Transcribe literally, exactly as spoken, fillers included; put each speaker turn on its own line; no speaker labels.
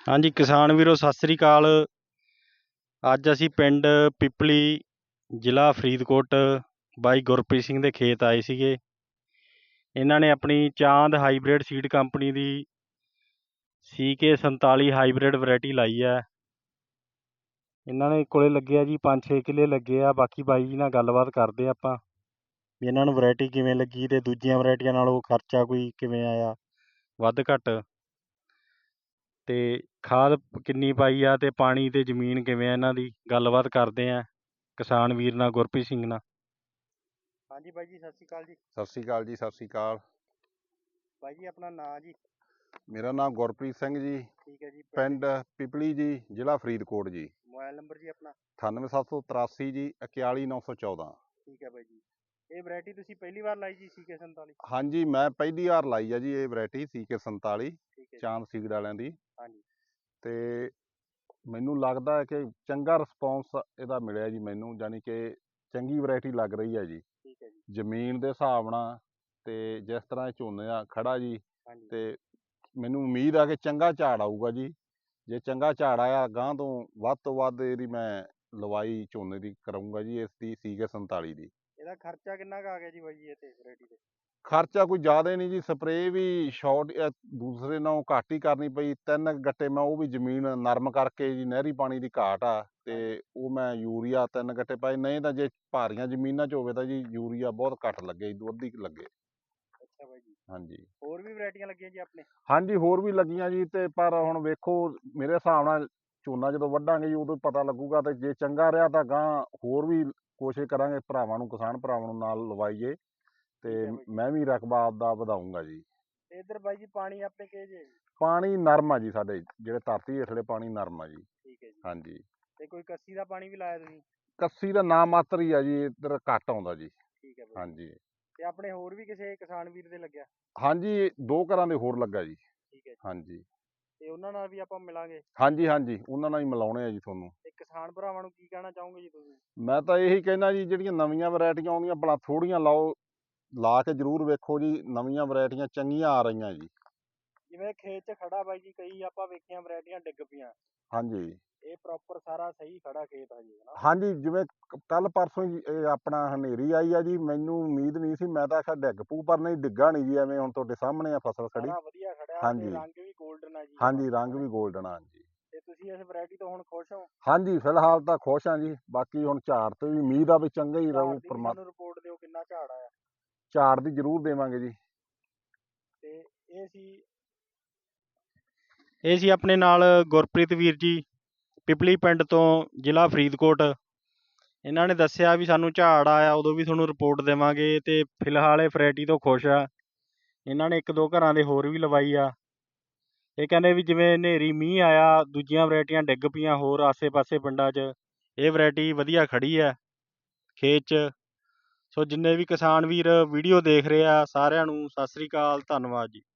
ਹਾਂਜੀ ਕਿਸਾਨ ਵੀਰੋ ਸਤਿ ਸ੍ਰੀ ਅਕਾਲ। ਅੱਜ ਅਸੀਂ ਪਿੰਡ ਪਿਪਲੀ ਜ਼ਿਲ੍ਹਾ ਫਰੀਦਕੋਟ ਬਾਈ ਗੁਰਪ੍ਰੀਤ ਸਿੰਘ ਦੇ ਖੇਤ ਆਏ ਸੀਗੇ। ਇਹਨਾਂ ਨੇ ਆਪਣੀ ਚਾਂਦ ਹਾਈਬ੍ਰਿਡ ਸੀਡ ਕੰਪਨੀ ਦੀ ਸੀ ਕੇ ਸੰਤਾਲੀ ਹਾਈਬ੍ਰਿਡ ਵੈਰਾਈਟੀ ਲਾਈ ਹੈ। ਇਹਨਾਂ ਨੇ ਕੋਲੇ ਲੱਗੇ ਆ ਜੀ ਪੰਜ ਛੇ ਕਿੱਲੇ ਲੱਗੇ ਆ। ਬਾਕੀ ਬਾਈ ਜੀ ਨਾਲ ਗੱਲਬਾਤ ਕਰਦੇ ਆਪਾਂ ਵੀ ਇਹਨਾਂ ਨੂੰ ਵੈਰਾਈਟੀ ਕਿਵੇਂ ਲੱਗੀ ਅਤੇ ਦੂਜੀਆਂ ਵੈਰਾਈਟੀਆਂ ਨਾਲੋਂ ਖਰਚਾ ਕੋਈ ਕਿਵੇਂ ਆਇਆ, ਵੱਧ ਘੱਟ, ਅਤੇ ਖਾਦ ਕਿੰਨੀ ਪਾਈ ਆ ਅਤੇ ਪਾਣੀ ਅਤੇ ਜ਼ਮੀਨ ਕਿਵੇਂ ਆ। ਇਹਨਾਂ ਦੀ ਗੱਲਬਾਤ ਕਰਦੇ ਹਾਂ ਕਿਸਾਨ ਵੀਰ ਨਾਲ, ਗੁਰਪ੍ਰੀਤ ਸਿੰਘ ਨਾਲ। ਹਾਂਜੀ ਬਾਈ ਜੀ ਸਤਿ ਸ਼੍ਰੀ ਅਕਾਲ ਜੀ।
ਸਤਿ ਸ਼੍ਰੀ ਅਕਾਲ ਜੀ। ਸਤਿ ਸ਼੍ਰੀ ਅਕਾਲ
ਬਾਈ ਜੀ ਆਪਣਾ ਨਾਂ ਜੀ?
ਮੇਰਾ ਨਾਮ ਗੁਰਪ੍ਰੀਤ ਸਿੰਘ ਜੀ।
ਠੀਕ ਹੈ ਜੀ।
ਪਿੰਡ ਪਿਪਲੀ ਜੀ, ਜ਼ਿਲ੍ਹਾ ਫਰੀਦਕੋਟ ਜੀ।
ਮੋਬਾਈਲ ਨੰਬਰ ਜੀ ਆਪਣਾ?
ਅਠਾਨਵੇਂ ਸੱਤ ਸੌ ਤਰਾਸੀ ਜੀ ਇਕਤਾਲੀ ਨੌ ਸੌ ਚੌਦਾਂ।
ਠੀਕ ਹੈ ਬਾਈ ਜੀ। ਇਹ ਵੈਰਾਈਟੀ ਤੁਸੀਂ ਪਹਿਲੀ ਵਾਰ ਲਾਈ ਜੀ ਸੀ ਕੇ ਸੰਤਾਲੀ?
ਹਾਂਜੀ ਮੈਂ ਪਹਿਲੀ ਵਾਰ ਲਾਈ ਆ ਜੀ ਇਹ ਵੈਰਾਈਟੀ ਸੀ ਕੇ ਸੰਤਾਲੀ,
ਠੀਕ ਹੈ
ਚਾਂਦ ਸੀਡ ਵਾਲਿਆਂ ਦੀ।
ਹਾਂਜੀ।
ਅਤੇ ਮੈਨੂੰ ਲੱਗਦਾ ਹੈ ਕਿ ਚੰਗਾ ਰਿਸਪੌਂਸ ਇਹਦਾ ਮਿਲਿਆ ਜੀ ਮੈਨੂੰ, ਯਾਨੀ ਕਿ ਚੰਗੀ ਵੈਰਾਈਟੀ ਲੱਗ ਰਹੀ ਹੈ ਜੀ।
ਠੀਕ ਹੈ ਜੀ।
ਜ਼ਮੀਨ ਦੇ ਹਿਸਾਬ ਨਾਲ ਅਤੇ ਜਿਸ ਤਰ੍ਹਾਂ ਇਹ ਝੋਨੇ ਆ ਖੜਾ ਜੀ, ਅਤੇ ਮੈਨੂੰ ਉਮੀਦ ਆ ਕਿ ਚੰਗਾ ਝਾੜ ਆਊਗਾ ਜੀ। ਜੇ ਚੰਗਾ ਝਾੜ ਆਇਆ ਗਾਂਹ ਤੋਂ ਵੱਧ ਤੋਂ ਵੱਧ ਇਹਦੀ ਮੈਂ ਲਵਾਈ ਝੋਨੇ ਦੀ ਕਰਾਊਂਗਾ ਜੀ, ਇਸ ਦੀ ਸੀ ਕੇ ਸੰਤਾਲੀ ਦੀ।
ਇਹਦਾ ਖਰਚਾ ਕਿੰਨਾ ਕੁ ਆ ਗਿਆ ਜੀ ਬਾਈ ਜੀ ਇਹ 'ਤੇ ਵੈਰਾਈਟੀ 'ਤੇ?
ਖਰਚਾ ਕੋਈ ਜ਼ਿਆਦਾ ਨਹੀਂ ਜੀ। ਸਪਰੇਅ ਵੀ ਸ਼ਾਰਟ ਦੂਸਰੇ ਨਾਲੋਂ ਘੱਟ ਹੀ ਕਰਨੀ ਪਈ। ਤਿੰਨ ਗੱਟੇ ਮੈਂ ਉਹ ਵੀ ਜ਼ਮੀਨ ਨਰਮ ਕਰਕੇ ਜੀ, ਨਹਿਰੀ ਪਾਣੀ ਦੀ ਘਾਟ ਆ, ਅਤੇ ਉਹ ਮੈਂ ਯੂਰੀਆ ਤਿੰਨ ਗੱਟੇ ਪਾਏ। ਨਹੀਂ ਤਾਂ ਜੇ ਭਾਰੀਆਂ ਜ਼ਮੀਨਾਂ 'ਚ ਹੋਵੇ ਤਾਂ ਜੀ ਯੂਰੀਆ ਬਹੁਤ ਘੱਟ ਲੱਗੇ ਜੀ, ਦੁੱਧ ਹੀ ਲੱਗੇ।
ਅੱਛਾ ਬਾਈ ਜੀ।
ਹਾਂਜੀ।
ਹੋਰ ਵੀ ਵੈਰਾਈਟੀਆਂ ਲੱਗੀਆਂ ਜੀ ਆਪਣੇ?
ਹਾਂਜੀ ਹੋਰ ਵੀ ਲੱਗੀਆਂ ਜੀ, ਅਤੇ ਪਰ ਹੁਣ ਵੇਖੋ ਮੇਰੇ ਹਿਸਾਬ ਨਾਲ ਝੋਨਾ ਜਦੋਂ ਵੱਢਾਂਗੇ ਜੀ ਉਦੋਂ ਪਤਾ ਲੱਗੂਗਾ। ਅਤੇ ਜੇ ਚੰਗਾ ਰਿਹਾ ਤਾਂ ਗਾਂਹ ਹੋਰ ਵੀ ਕੋਸ਼ਿਸ਼ ਕਰਾਂਗੇ ਭਰਾਵਾਂ ਨੂੰ, ਕਿਸਾਨ ਭਰਾਵਾਂ ਨੂੰ ਨਾਲ ਲਵਾਈਏ, ਅਤੇ ਮੈਂ ਵੀ ਰਕਬਾ ਆਪਦਾ ਵਧਾਊਂਗਾ ਜੀ।
ਅਤੇ ਇੱਧਰ ਬਾਈ ਜੀ ਪਾਣੀ ਆਪਣੇ ਕਿਹੋ ਜਿਹੇ?
ਪਾਣੀ ਨਰਮ ਆ ਜੀ ਸਾਡੇ, ਜਿਹੜੇ ਧਰਤੀ ਹੇਠਲੇ ਪਾਣੀ ਨਰਮ ਆ ਜੀ।
ਠੀਕ ਹੈ ਜੀ।
ਹਾਂਜੀ।
ਅਤੇ ਕੋਈ ਕੱਸੀ ਦਾ ਪਾਣੀ ਵੀ ਲਾਇਆ ਤੁਸੀਂ?
ਕੱਸੀ ਦਾ ਨਾ ਮਾਤਰ ਹੀ ਆ ਜੀ, ਇੱਧਰ ਘੱਟ ਆਉਂਦਾ ਜੀ।
ਠੀਕ ਹੈ ਬਾਈ।
ਹਾਂਜੀ।
ਅਤੇ ਆਪਣੇ ਹੋਰ ਵੀ ਕਿਸੇ ਕਿਸਾਨ ਵੀਰ ਦੇ ਲੱਗਿਆ?
ਹਾਂਜੀ ਦੋ ਘਰਾਂ ਦੇ ਹੋਰ ਲੱਗਾ ਜੀ।
ਠੀਕ ਹੈ ਜੀ।
ਹਾਂਜੀ।
ਅਤੇ ਉਹਨਾਂ ਨਾਲ ਵੀ ਆਪਾਂ ਮਿਲਾਂਗੇ?
ਹਾਂਜੀ ਹਾਂਜੀ ਉਹਨਾਂ ਨਾਲ ਹੀ ਮਿਲਾਉਣੇ ਆ ਜੀ ਤੁਹਾਨੂੰ।
ਅਤੇ ਕਿਸਾਨ ਭਰਾਵਾਂ ਨੂੰ ਕੀ ਕਹਿਣਾ ਚਾਹੋਗੇ ਜੀ ਤੁਸੀਂ? ਮੈਂ
ਤਾਂ ਇਹੀ ਕਹਿੰਦਾ ਜੀ, ਜਿਹੜੀਆਂ ਨਵੀਆਂ ਵੈਰਾਈਟੀਆਂ ਆਉਂਦੀਆਂ ਭਲਾ ਥੋੜ੍ਹੀਆਂ ਲਾਓ, ਲਾ ਕੇ ਜ਼ਰੂਰ ਵੇਖੋ ਜੀ। ਨਵੀਆਂ ਵੈਰਾਈਟੀਆਂ ਚੰਗੀਆਂ ਆ ਰਹੀਆਂ ਜੀ। ਜਿਵੇਂ
ਖੇਤ 'ਚ ਖੜਾ ਬਾਈ ਜੀ, ਕਈ ਆਪਾਂ ਵੇਖੀਆਂ ਵੈਰਾਈਟੀਆਂ ਡਿੱਗ ਪਈਆਂ।
ਹਾਂਜੀ।
ਇਹ ਪ੍ਰੋਪਰ ਸਾਰਾ ਸਹੀ ਖੜਾ ਖੇਤ ਆ ਜੀ, ਹੈ ਨਾ?
ਹਾਂਜੀ ਜਿਵੇਂ ਕੱਲ੍ਹ ਪਰਸੋਂ ਹੀ ਇਹ ਆਪਣਾ ਹਨੇਰੀ ਆਈ ਆ ਜੀ, ਮੈਨੂੰ ਉਮੀਦ ਨਹੀਂ ਸੀ। ਮੈਂ ਤਾਂ ਆਖਿਆ ਡਿੱਗ ਪਊ, ਪਰ ਨਹੀਂ ਡਿੱਗਾ ਨਹੀਂ ਜੀ। ਐਵੇਂ ਹੁਣ ਤੁਹਾਡੇ ਸਾਹਮਣੇ ਆ ਫਸਲ ਖੜੀ।
ਸਾਰਾ ਵਧੀਆ ਖੜਿਆ ਤੇ
ਹਾਂਜੀ।
ਰੰਗ ਵੀ ਗੋਲਡਨ ਆ ਜੀ।
ਹਾਂਜੀ ਰੰਗ ਵੀ ਗੋਲਡਨ ਆ ਜੀ।
ਤੇ ਤੁਸੀਂ ਇਸ ਵੈਰਾਈਟੀ ਤੋਂ ਹੁਣ ਖੁਸ਼ ਹੋ?
ਹਾਂਜੀ ਫਿਲਹਾਲ ਤਾਂ ਖੁਸ਼ ਹਾਂ ਜੀ। ਬਾਕੀ ਹੁਣ ਝਾੜ ਤੇ ਵੀ ਉਮੀਦ ਆ ਵੀ ਚੰਗਾ ਹੀ ਰਹੂ।
ਝਾੜ ਦੀ ਵੀ ਸਾਨੂੰ ਰਿਪੋਰਟ ਦਿਓ, ਕਿੰਨਾ ਝਾੜ ਆਇਆ?
ਝਾੜ ਦੀ ਜ਼ਰੂਰ ਦੇਵਾਂਗੇ ਜੀ।
ਤੇ ਇਹ ਸੀ ਇਹ ਸੀ ਆਪਣੇ ਨਾਲ ਗੁਰਪ੍ਰੀਤ ਵੀਰ ਜੀ, ਪਿਪਲੀ ਪਿੰਡ ਤੋਂ, ਜ਼ਿਲ੍ਹਾ ਫਰੀਦਕੋਟ। ਇਹਨਾਂ ਨੇ ਦੱਸਿਆ ਵੀ ਸਾਨੂੰ ਝਾੜ ਆਇਆ ਉਦੋਂ ਵੀ ਤੁਹਾਨੂੰ ਰਿਪੋਰਟ ਦੇਵਾਂਗੇ, ਅਤੇ ਫਿਲਹਾਲ ਇਹ ਵੈਰਾਈਟੀ ਤੋਂ ਖੁਸ਼ ਆ। ਇਹਨਾਂ ਨੇ ਇੱਕ ਦੋ ਘਰਾਂ ਦੇ ਹੋਰ ਵੀ ਲਵਾਈ ਆ। ਇਹ ਕਹਿੰਦੇ ਵੀ ਜਿਵੇਂ ਹਨੇਰੀ ਮੀਂਹ ਆਇਆ, ਦੂਜੀਆਂ ਵੈਰਾਈਟੀਆਂ ਡਿੱਗ ਪਈਆਂ ਹੋਰ ਆਸੇ ਪਾਸੇ ਪਿੰਡਾਂ 'ਚ, ਇਹ ਵੈਰਾਈਟੀ ਵਧੀਆ ਖੜੀ ਹੈ ਖੇਤ 'ਚ। ਸੋ ਜਿੰਨੇ ਵੀ ਕਿਸਾਨ ਵੀਰ ਵੀਡੀਓ ਦੇਖ ਰਹੇ ਆ ਸਾਰਿਆਂ ਨੂੰ ਸਤਿ ਸ਼੍ਰੀ ਅਕਾਲ, ਧੰਨਵਾਦ ਜੀ।